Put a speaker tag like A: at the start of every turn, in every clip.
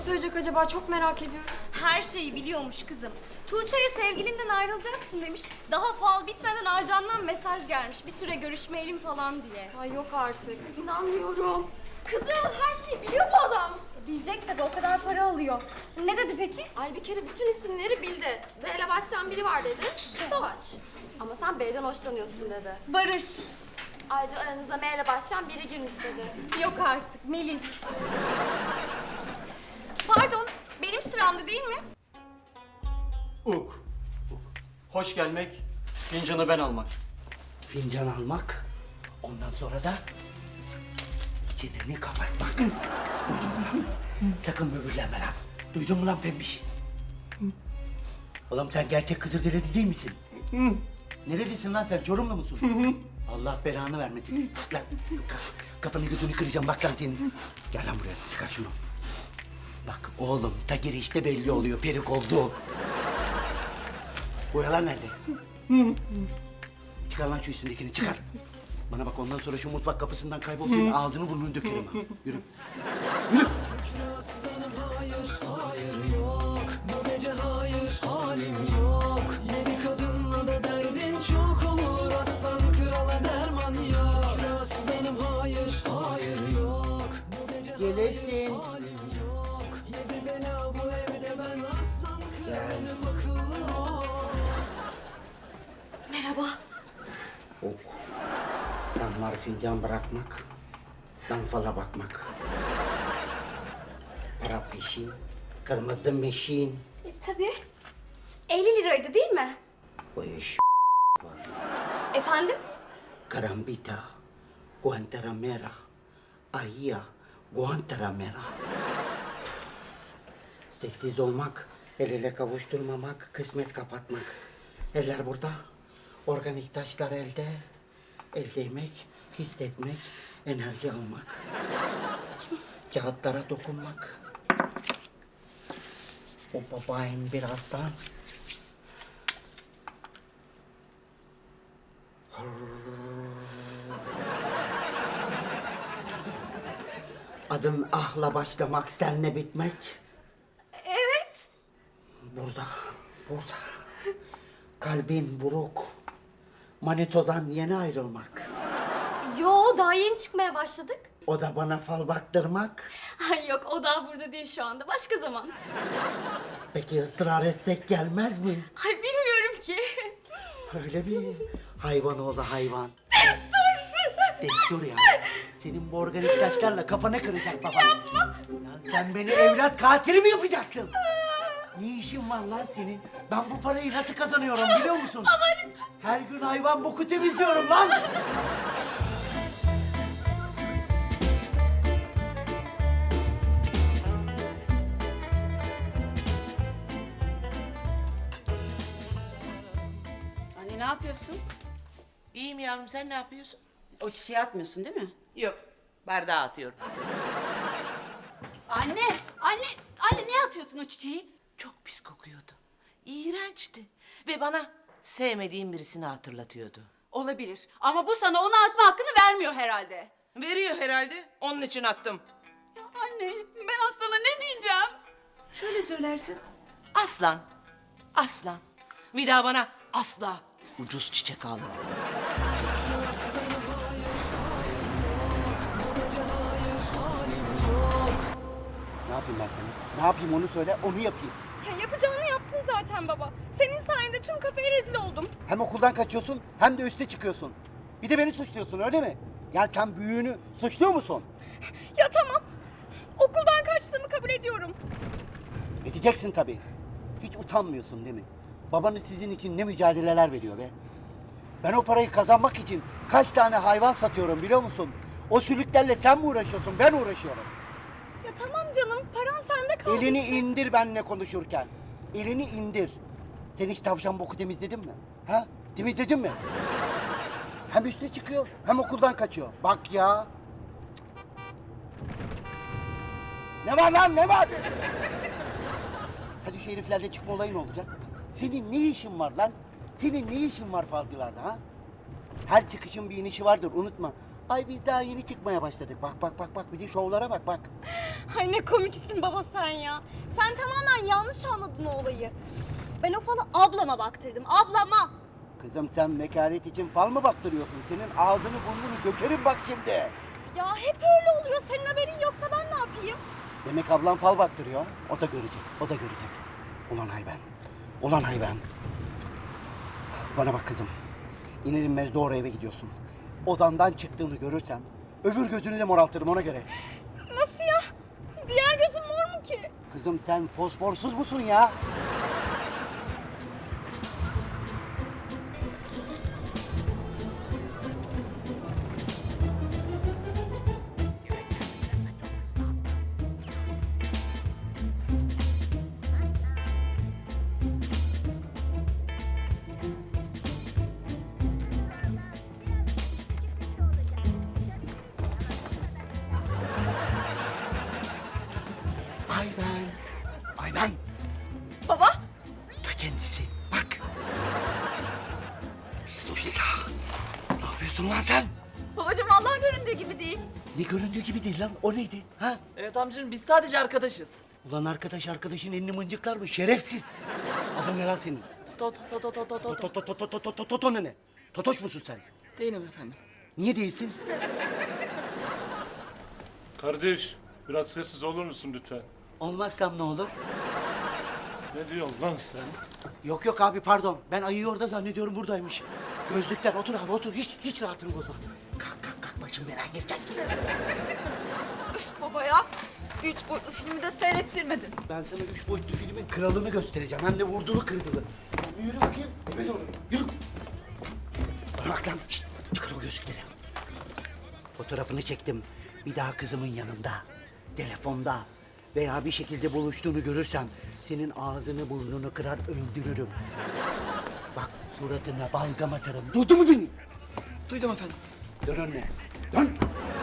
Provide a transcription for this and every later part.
A: söyleyecek acaba? Çok merak ediyorum.
B: Her şeyi biliyormuş kızım. Tuğçe'ye sevgilinden ayrılacaksın demiş. Daha fal bitmeden Arcan'dan mesaj gelmiş. Bir süre görüşmeyelim falan diye.
A: Ay yok artık. İnanmıyorum.
B: Kızım her şeyi biliyor bu adam. Bilecek tabii, o kadar para alıyor. Ne dedi peki?
A: Ay bir kere bütün isimleri bildi. D ile başlayan biri var dedi. Doğaç. Ama sen B'den hoşlanıyorsun dedi.
B: Barış.
A: Ayrıca aranıza M ile başlayan biri girmiş dedi.
B: Yok artık, Melis. Pardon, benim sıramdı değil mi?
C: Uk. Hoş gelmek, fincanı ben almak.
D: Fincan almak, ondan sonra da çeneni kapatmak. Duydun mu lan? Sakın böbürlenme lan. Duydun mu lan pembiş? Oğlum sen gerçek Kızılderili değil misin? Nerelisin lan sen? Çorumlu musun? Allah belanı vermesin. Lan kafanı gözünü kıracağım bak lan senin. Gel lan buraya, çıkar şunu. Bak oğlum, ta girişte belli oluyor perik oldu. Boyalar nerede? Çıkar lan şu üstündekini, çıkar. Bana bak, ondan sonra şu mutfak kapısından kaybol, senin ağzını burnunu dökerim ha. Yürü. Yürü.
E: Bu gece hayır halim yok. Yedi kadınla da derdin çok olur. Aslan krala derman yok. Şükür aslanım hayır hayır yok. Bu gece
D: Gelesin.
E: halim yok. Yedi bela bu evde, ben aslan kralım akıllı ol.
A: Merhaba.
D: Ok. Damlar fincan bırakmak, dan fala bakmak. Para peşin, kırmızı meşin.
B: Tabii. 50 liraydı değil mi?
D: Bu iş
B: Efendim?
D: karambita, Guantanamera, Ahia, Guantanamera. Sessiz olmak, el ele kavuşturmamak, kısmet kapatmak. Eller burada, organik taşlar elde. El değmek, hissetmek, enerji almak. Kağıtlara dokunmak. O babayım birazdan. Adın ahla başlamak, senle bitmek.
B: Evet.
D: Burada, burada. Kalbin buruk. Manito'dan yeni ayrılmak.
B: Yo, daha yeni çıkmaya başladık.
D: O da bana fal baktırmak.
B: Ay yok, o daha burada değil şu anda. Başka zaman.
D: Peki ısrar etsek gelmez mi?
B: Ay bilmiyorum ki.
D: Öyle mi? Hayvan oğlu hayvan. Destur ya. Senin bu organik taşlarla kafanı kıracak baban. Yapma. Lan sen beni evlat katili mi yapacaksın? Ne işin var lan senin? Ben bu parayı nasıl kazanıyorum biliyor musun? Her gün hayvan boku temizliyorum lan.
F: Anne ne yapıyorsun?
G: İyiyim yavrum, sen ne yapıyorsun?
F: O çiçeği atmıyorsun değil mi?
G: Yok, bardağı atıyorum.
F: Anne ne atıyorsun o çiçeği?
G: Çok pis kokuyordu. İğrençti. Ve bana sevmediğim birisini hatırlatıyordu.
F: Olabilir ama bu sana onu atma hakkını vermiyor herhalde.
G: Veriyor herhalde, onun için attım.
F: Ya anne ben Aslan'a ne diyeceğim?
G: Şöyle söylersin. Aslan, aslan. Bir daha bana asla ucuz çiçek alma.
D: Ne yapayım ben sana? Ne yapayım onu söyle, onu yapayım.
B: Ya yapacağını yaptın zaten baba. Senin sayende tüm kafeye rezil oldum.
D: Hem okuldan kaçıyorsun hem de üste çıkıyorsun. Bir de beni suçluyorsun öyle mi? Yani sen büyüğünü suçluyor musun?
B: Ya tamam. Okuldan kaçtığımı kabul ediyorum.
D: Edeceksin tabii. Hiç utanmıyorsun değil mi? Babanız sizin için ne mücadeleler veriyor be? Ben o parayı kazanmak için kaç tane hayvan satıyorum biliyor musun? O sülüklerle sen mi uğraşıyorsun, ben uğraşıyorum.
B: Ya tamam canım, paran sende kaldı.
D: Elini
B: işte.
D: indir benimle konuşurken. Elini indir. Sen hiç tavşan boku temizledin mi? Ha? Temizledin mi? Hem üste çıkıyor hem okuldan kaçıyor. Bak ya. Ne var lan ne var? Hadi şu heriflerle çıkma olayı ne olacak? Senin ne işin var lan? Senin ne işin var falcılarda ha? Her çıkışın bir inişi vardır unutma. Ay biz daha yeni çıkmaya başladık. Bak bak bak bak bir de şovlara bak bak.
B: Ay ne komiksin baba sen ya. Sen tamamen yanlış anladın o olayı. Ben o falı ablama baktırdım, ablama.
D: Kızım sen vekalet için fal mı baktırıyorsun? Senin ağzını burnunu dökerim bak şimdi.
B: Ya hep öyle oluyor. Senin haberin yoksa ben ne yapayım?
D: Demek ablam fal baktırıyor. Ha? O da görecek, o da görecek. Ulan hayvan, ulan hayvan. Bana bak kızım. İner inmez doğru eve gidiyorsun. Odandan çıktığını görürsem öbür gözünü de moraltırım ona göre.
B: Nasıl ya? Diğer gözüm mor mu ki?
D: Kızım sen fosforsuz musun ya? Ayben. Ayben.
G: Baba.
D: Ta kendisi. Bak. Bismillah. Ne yapıyorsun lan sen?
F: Babacığım vallahi göründüğü gibi değil.
D: Ne göründüğü gibi değil lan. O neydi? Ha?
G: Evet amcacığım biz sadece arkadaşız.
D: Ulan arkadaşın elini mıncıklar mı? Şerefsiz. Adın ne lan senin?
G: Toto.
D: Toto ne? Totoş musun sen?
G: Değilim efendim.
D: Niye değilsin?
H: Kardeş, biraz sessiz olur musun lütfen?
D: Olmazsam ne olur?
H: Ne diyorsun lan sen?
D: Yok yok abi pardon. Ben ayıyı orada zannediyorum buradaymış. Gözlükler otur abi otur. Hiç rahatını bozma. Kalk başım belaya girecek.
F: Üf baba ya. 3 boyutlu filmi de seyrettirmedin.
D: Ben sana 3 boyutlu filmin kralını göstereceğim. Hem de vurduğu kırdığı. Yürü bakayım. Eve doğru. Yürü. Bana bak lan. Şişt, çıkar o gözlükleri. Fotoğrafını çektim. Bir daha kızımın yanında, telefonda veya bir şekilde buluştuğunu görürsem senin ağzını burnunu kırar öldürürüm. Bak suratına balgam atarım. Duydun mu beni?
G: Duydum efendim.
D: Dön önüne. Dön.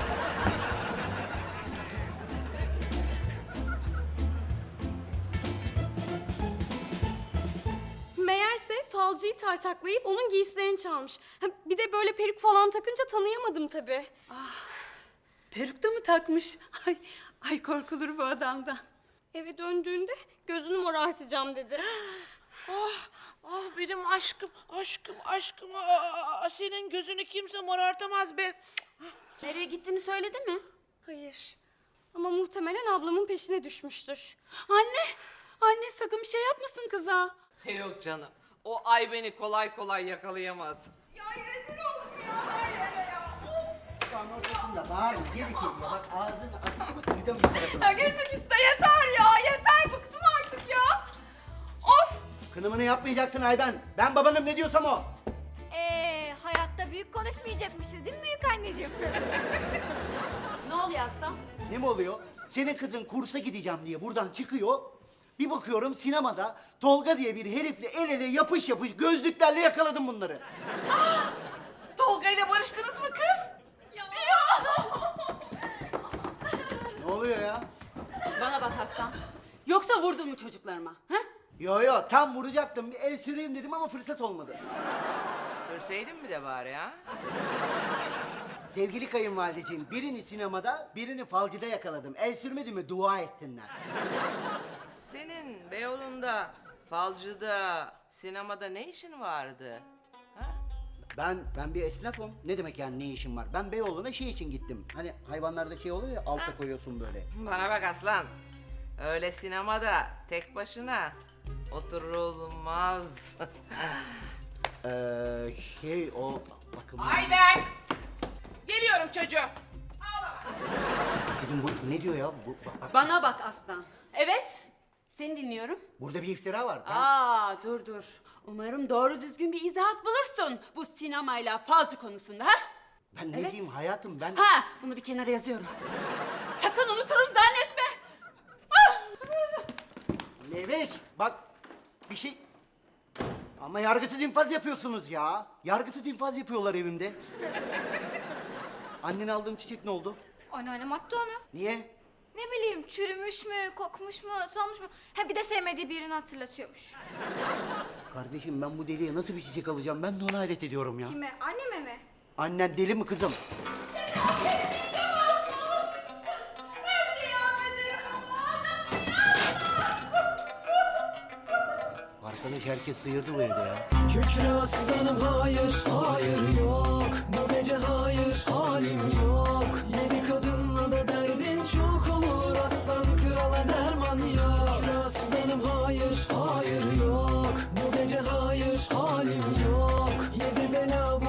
B: Meğerse falcıyı tartaklayıp onun giysilerini çalmış. Ha, bir de böyle peruk falan takınca tanıyamadım tabii.
F: Peruk da mı takmış? Ay korkulur bu adamdan.
B: Eve döndüğünde gözünü morartacağım dedi.
G: Ah benim aşkım. Senin gözünü kimse morartamaz be.
F: Nereye gittiğini söyledi mi?
B: Hayır. Ama muhtemelen ablamın peşine düşmüştür.
F: Anne sakın bir şey yapmasın kıza.
G: Yok canım. O ay beni kolay kolay yakalayamaz.
D: Lan ortasında bağır. Geri çekme. Bak ağzını açtı mı kıydım bir tarafına.
F: Girdik işte yeter ya. Yeter bıktım artık ya. Of.
D: Kınımını yapmayacaksın Ayben. Ben babanım ne diyorsam o.
A: Hayatta büyük konuşmayacakmışız değil mi büyük anneciğim?
F: Ne oluyor aslan?
D: Ne mi oluyor? Senin kızın kursa gideceğim diye buradan çıkıyor. Bir bakıyorum sinemada Tolga diye bir herifle el ele yapış gözlüklerle yakaladım bunları.
G: Tolga ile barıştınız mı kız?
D: Ne oluyor ya?
F: Bana bak aslan. Yoksa vurdun mu çocuklarıma? Ha?
D: Yo tam vuracaktım. Bir el süreyim dedim ama fırsat olmadı.
G: Sürseydin mi de bari ha?
D: Sevgili kayınvalideciğim birini sinemada birini falcıda yakaladım. El sürmedi mi dua ettinler.
G: Senin Beyoğlu'nda, falcıda, sinemada ne işin vardı? Ha?
D: Ben bir esnafım. Ne demek yani ne işim var? Ben Beyoğlu'na şey için gittim. Hani hayvanlarda şey oluyor ya alta koyuyorsun böyle.
G: Bana bak aslan. Öyle sinemada tek başına oturulmaz.
D: Şey o bakın.
G: Ay ben! Geliyorum çocuğum.
D: Kızım bu ne diyor ya? Bak,
F: Bana bak aslan. Evet. Seni dinliyorum.
D: burada bir iftira var.
F: Dur. Umarım doğru düzgün bir izahat bulursun bu sinemayla falcı konusunda ha?
D: Ben ne
F: Evet.
D: diyeyim hayatım ben...
F: Ha, bunu bir kenara yazıyorum. Sakın unuturum zannetme.
D: Leveş bak bir şey... Ama yargısız infaz yapıyorsunuz ya. Yargısız infaz yapıyorlar evimde. Annene aldığım çiçek ne oldu?
A: Anneannem attı onu.
D: Niye?
A: Ne bileyim çürümüş mü, kokmuş mu, solmuş mu? Ha bir de sevmediği birini hatırlatıyormuş.
D: Kardeşim ben bu deliye nasıl bir çiçek alacağım? Ben de ona hayret ediyorum ya.
A: Kime? Anneme mi?
D: Annen deli mi kızım? Arkadaş herkes sıyırdı bu evde ya.
E: Kükre aslanım hayır, hayır yok. Bu gece hayır, halim yok. Yedi kadınla da derdin çok olur. Aslan krala derman yok. Kükre aslanım hayır, hayır yok. Bu gece hayır, halim yok. Yedi bela